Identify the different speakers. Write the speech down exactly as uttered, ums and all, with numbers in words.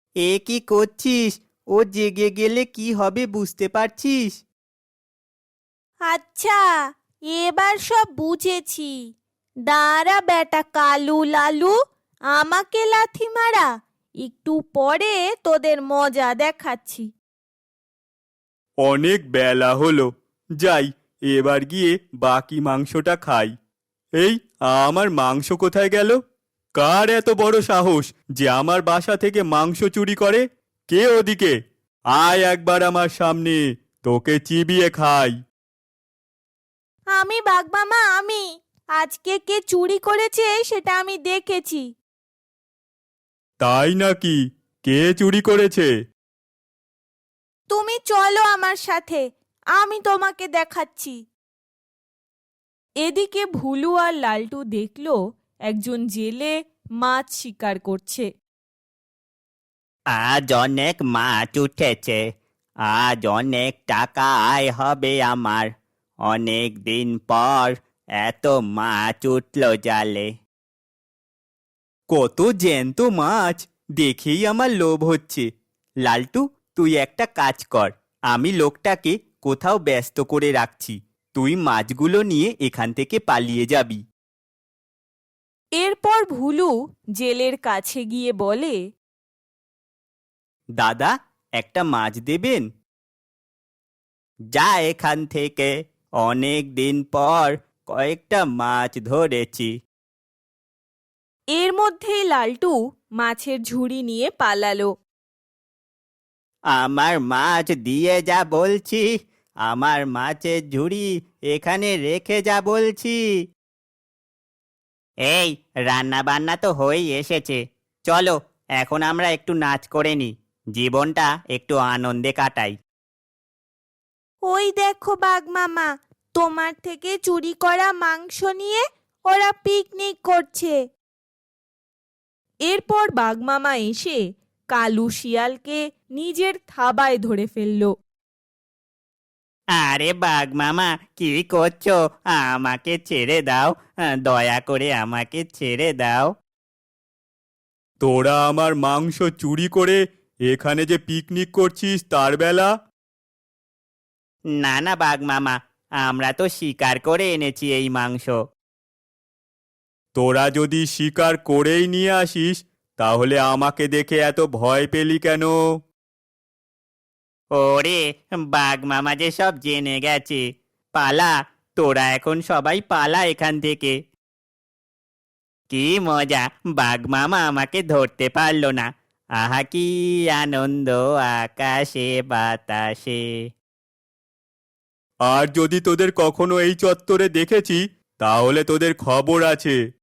Speaker 1: এ কি করছিস? ও জেগে গেলে কি হবে বুঝতে পারছিস?
Speaker 2: আচ্ছা, এবার সব বুঝেছি। দাঁড়া বেটা কালু লালু, আমাকে লাথি মারা। একটু পরে তোদের মজা দেখাচ্ছি।
Speaker 1: অনেক বেলা হলো, যাই এবার গিয়ে বাকি মাংসটা খাই। এই, আমার মাংস কোথায় গেল? কার এত বড় সাহস যে আমার বাসা থেকে মাংস চুরি করে? কে ওদিকে? আয় একবার আমার সামনে, তোকে চিবিয়ে খাই।
Speaker 2: আমি বাঘমামা, আমি। আজকে কে চুরি করেছে সেটা আমি দেখেছি।
Speaker 1: তাই নাকি? কে চুরি করেছে?
Speaker 2: তুমি চলো আমার সাথে, আমি তোমাকে দেখাচ্ছি। এদিকে ভুলু আর লালটু দেখলো একজন জেলে মাছ শিকার করছে।
Speaker 1: আজ অনেক মাছ উঠেছে, আজ অনেক টাকা আয় হবে আমার। অনেক দিন পর এত মাছ উঠলো জালে। কত জ্যান্ত মাছ, দেখেই আমার লোভ হচ্ছে। লালটু, তুই একটা কাজ কর, আমি লোকটাকে কোথাও ব্যস্ত করে রাখছি, তুই মাছগুলো নিয়ে এখান থেকে পালিয়ে যাবি।
Speaker 2: এরপর ভুলু জেলের কাছে গিয়ে বলে,
Speaker 1: দাদা, একটা মাছ দেবেন? যা এখান থেকে, অনেক দিন পর কয়েকটা মাছ ধরেছি।
Speaker 2: এর মধ্যেই লালটু মাছের ঝুড়ি নিয়ে পালালো।
Speaker 1: আমার মাছ দিয়ে যা বলছি, আমার মাছের ঝুড়ি এখানে রেখে যা বলছি। এই, রান্না বান্না তো হয়েই এসেছে, চলো এখন আমরা একটু নাচ করে নি, জীবনটা একটু আনন্দে কাটাই।
Speaker 2: ওই দেখো বাঘমামা, তোমার থেকে চুরি করা মাংস নিয়ে ওরা পিকনিক করছে। এরপর বাঘমামা এসে কালু শিয়ালকে নিজের থাবায় ধরে ফেলল।
Speaker 1: আরে বাঘ মামা, কি করছো? আমাকে ছেড়ে দাও, দয়া করে আমাকে ছেড়ে দাও। তোরা আমার মাংস চুরি করে এখানে যে পিকনিক করছিস তার বেলা? না না বাঘ মামা, আমরা তো শিকার করে এনেছি এই মাংস। তোরা যদি শিকার করেই নিয়ে আসিস, তাহলে আমাকে দেখে এত ভয় পেলি কেন? ওরে, বাঘ মামা যে সব জেনে গেছে, পালা, তোরা এখন সবাই পালা এখান থেকে। কি মজা, বাঘ মামা আমাকে ধরতে পারলো না। আহা কি আনন্দ আকাশে বাতাসে। আর যদি তোদের কখনো এই চত্বরে দেখেছি, তাহলে তোদের খবর আছে।